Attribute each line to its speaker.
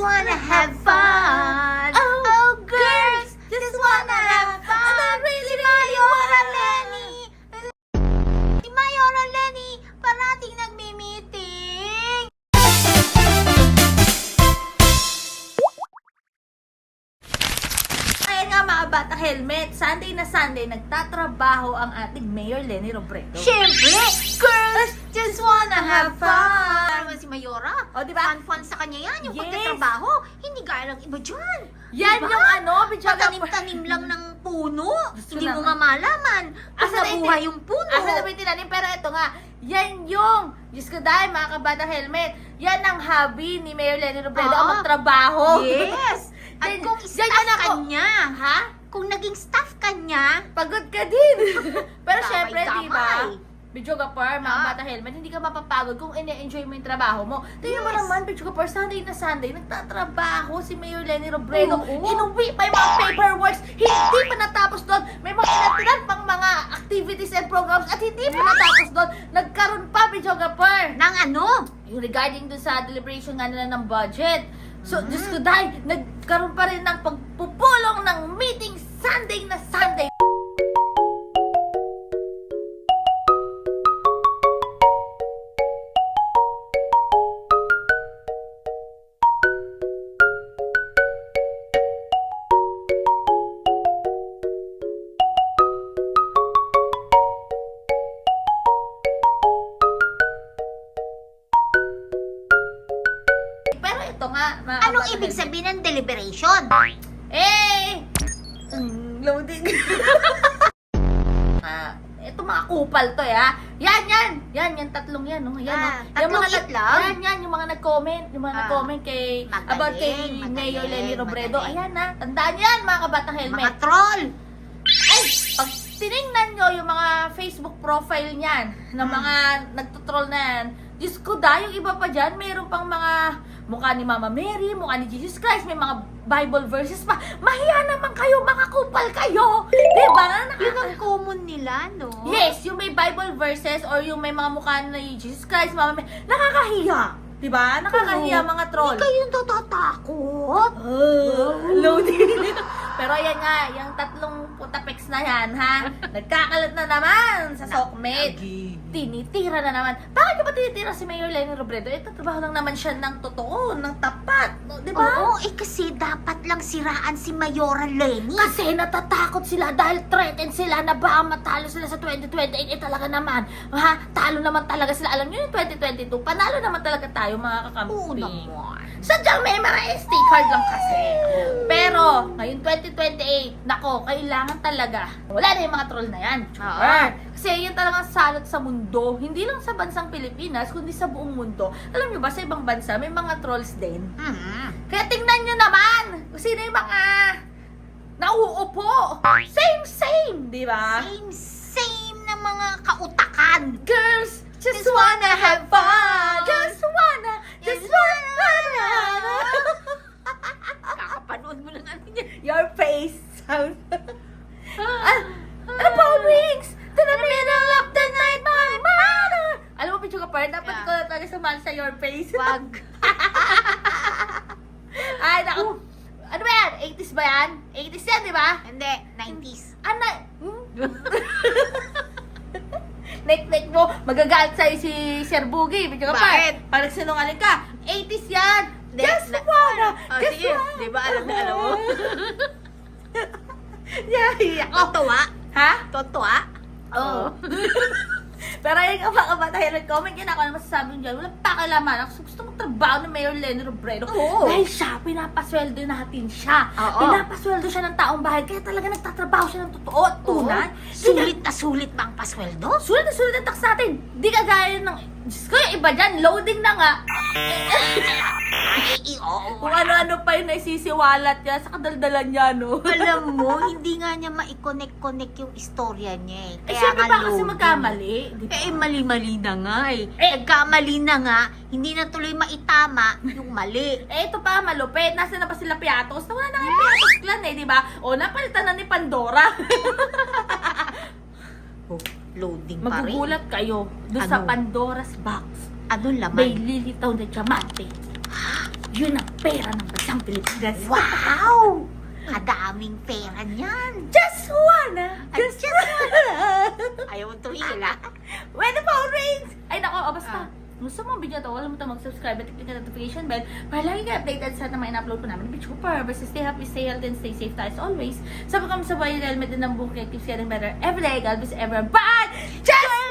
Speaker 1: wanna have fun. Oh, girls, just wanna have fun. Si Mayora Lenny. Si Mayora Lenny, parating nagmi-meeting.
Speaker 2: Ayan nga mga bata helmet, Sunday na Sunday, nagtatrabaho ang ating Mayor Lenny Robredo.
Speaker 1: Siyempre, girls, just wanna have fun. Naman si Mayora.
Speaker 2: O, diba?
Speaker 1: Fun sa kanya yan, yung
Speaker 2: Yes.
Speaker 1: pagtatrabaho. Hindi gaya ng iba dyan.
Speaker 2: Yan
Speaker 1: Diba?
Speaker 2: yung ano,
Speaker 1: Patanim-tanim lang ng puno.
Speaker 2: Gusto
Speaker 1: Hindi
Speaker 2: lang.
Speaker 1: mo nga malaman. Asa
Speaker 2: na
Speaker 1: nabuhay yung puno.
Speaker 2: Asa na ba yung tinanim? Pero ito nga, yan yung, Diyos ko dahil mga kabata helmet, yan ang hobby ni Mayor Lenny Robredo, ang
Speaker 1: Oo.
Speaker 2: magtrabaho.
Speaker 1: Yes. At
Speaker 2: Yan-
Speaker 1: kung
Speaker 2: yan
Speaker 1: staff
Speaker 2: yan
Speaker 1: ka niya,
Speaker 2: Ha?
Speaker 1: kung naging staff ka niya,
Speaker 2: Pagod ka din. Pero syempre,
Speaker 1: damay-damay.
Speaker 2: di ba? Bidyo Gapar, mga
Speaker 1: Ah.
Speaker 2: bata helmet, hindi ka mapapagod kung ine-enjoy mo yung trabaho mo. Tingnan mo
Speaker 1: Yes.
Speaker 2: naman, Bidyo Gapar, Sunday na Sunday, nagtatrabaho si Mayor Lenny Robredo.
Speaker 1: Oo.
Speaker 2: Inuwi pa yung mga paperworks, hindi pa natapos doon. May mga inatinan pang mga activities and programs at hindi pa natapos doon. Nagkaroon pa, Bidyo Gapar.
Speaker 1: ng ano?
Speaker 2: Yung regarding dun sa deliberation nga nila ng budget. So,
Speaker 1: Mhm.
Speaker 2: Diyos ko dahil, nagkaroon pa rin ng pagpupulong ng meeting Sunday na Sunday. Pero ito nga, mga
Speaker 1: Anong
Speaker 2: kabata
Speaker 1: ibig
Speaker 2: helmet,
Speaker 1: sabihin ng deliberation?
Speaker 2: Loading. Ito mga kupal to yan tatlong yan, no? Yan,
Speaker 1: Ah,
Speaker 2: no? Yung
Speaker 1: tatlong
Speaker 2: mga
Speaker 1: itlog?
Speaker 2: yan, yung mga nag-comment, kay,
Speaker 1: Magaling,
Speaker 2: about kay
Speaker 1: magaling,
Speaker 2: Mayor Lenny Robredo.
Speaker 1: magaling.
Speaker 2: Ayan na, tandaan yan, mga kabatang helmet.
Speaker 1: Mga troll.
Speaker 2: Ay, pag tinignan nyo yung mga Facebook profile niyan, ng mga nagtutroll na yan, Diyos ko dahil yung iba pa dyan, mayroon pang mga mukha ni Mama Mary, mukha ni Jesus Christ, may mga Bible verses pa. Mahiya naman kayo, mga kupal kayo! Diba?
Speaker 1: Yun ang common nila, no?
Speaker 2: Yes, yung may Bible verses or yung may mga mukha ni Jesus Christ, Mama Mary, nakakahiya! Diba? Nakakahiya
Speaker 1: Oo.
Speaker 2: mga troll.
Speaker 1: Hindi kayo natatakot.
Speaker 2: Loading. Pero yan nga, yung tatlong putapex na yan, ha? Nagkakalat na naman sa Sokmed. Tinitira na naman. Bakit ka ba tinitira si Mayor Lenny Robredo? Ito, trabaho lang naman siya ng totoo, ng tapat. No, di ba?
Speaker 1: Oo, kasi dapat lang siraan si Mayora Lenny.
Speaker 2: Kasi natatakot sila dahil threatened sila na baka matalo sila sa 2028. Eh talaga naman, ha? Talo naman talaga sila. Alam niyo yung 2022, panalo naman talaga tayo mga
Speaker 1: Oo
Speaker 2: kakampi.
Speaker 1: naman.
Speaker 2: Sadyang may mga SD card lang kasi. Pero, ngayon 2028, nako, kailangan talaga. Wala na yung mga troll na yan.
Speaker 1: Oo.
Speaker 2: Kasi yun talagang salot sa mundo. Hindi lang sa bansang Pilipinas, kundi sa buong mundo. Alam nyo ba, sa ibang bansa, may mga trolls din. Kaya tingnan nyo naman kung sino yung mga nauupo. Same, di ba?
Speaker 1: Same na mga kautakan.
Speaker 2: Girls, just wanna have fun. Just wanna.
Speaker 1: Kakapanood mo lang ano niya.
Speaker 2: Your face sound. Ano pa, Wings? To the middle of the night, my mother. Alam mo, Pichu Kapar, dapat
Speaker 1: Yeah.
Speaker 2: ikaw na talaga sumali sa Your Face.
Speaker 1: Wag.
Speaker 2: Ay, naku. Ano ba yan? 80s ba yan? 80s yan, di ba?
Speaker 1: Hindi, 90s.
Speaker 2: Ano? Nek-nek mo, magagalit sa'yo si Sir Boogie. Pichu Kapar.
Speaker 1: Bakit?
Speaker 2: Parang sinungaling ka. 80s yan.
Speaker 1: Hindi,
Speaker 2: Just
Speaker 1: na-
Speaker 2: wanna.
Speaker 1: Oh,
Speaker 2: Just
Speaker 1: sige.
Speaker 2: wanna.
Speaker 1: Di ba alam na alam mo?
Speaker 2: Yeah, ako.
Speaker 1: Totoo?
Speaker 2: Ha?
Speaker 1: Totoo?
Speaker 2: Oo. Pero yun nga mga kabatayan, comment yun ako ano masasabi nyo dyan. Walang pakialaman. Ako gusto mong trabaho ng Mayor Lenny Robredo.
Speaker 1: Oo.
Speaker 2: Dahil siya, pinapasweldo natin siya.
Speaker 1: Oo.
Speaker 2: Pinapasweldo siya ng taong bahay. Kaya talaga nagtatrabaho siya ng totoo at tunay.
Speaker 1: Sulit na sulit ba ang pasweldo?
Speaker 2: Sulit na sulit ang tax natin. Di kagaya ng... Diyos ko, yung iba dyan, loading na nga.
Speaker 1: Ay, oo.
Speaker 2: Kung ano-ano pa yung naisisiwalat niya sa kadaldalan niya, no?
Speaker 1: Alam mo, hindi nga niya ma-connect yung istorya niya eh.
Speaker 2: Eh, syempre
Speaker 1: nga
Speaker 2: ba kasi
Speaker 1: loading.
Speaker 2: magkamali? Di ba?
Speaker 1: Mali-mali na nga eh.
Speaker 2: Eh,
Speaker 1: Nagkamali na nga, hindi na tuloy maitama yung mali.
Speaker 2: Eh, ito pa, malupit. Nasa na pa sila Piatos? Nawala na yung Piatos clan eh, di ba? O, napalitan na ni Pandora.
Speaker 1: Oh, loading pa rin.
Speaker 2: Magugulat kayo doon sa
Speaker 1: Ano?
Speaker 2: Pandora's box.
Speaker 1: Ano
Speaker 2: May
Speaker 1: laman?
Speaker 2: lilitaw na diamante. Yun ang pera ng bansang Pilipinas.
Speaker 1: Wow! Kadaming pera niyan.
Speaker 2: Just wanna!
Speaker 1: Ay,
Speaker 2: Just
Speaker 1: just
Speaker 2: wanna!
Speaker 1: Ayaw mo tumigil ah.
Speaker 2: When the phone rings! Ay nako, basta.
Speaker 1: Ah.
Speaker 2: Gusto mo ang video to, wala mo ito mag-subscribe at click ang notification bell para lagi ka updated sa mga in-upload ko namin. Bitch, super. Basta stay happy, stay healthy, and stay safe tayo as always. Sabi kami sa bayan, helmet din ng buong creative, getting better every day. God bless everyone. Bye! Just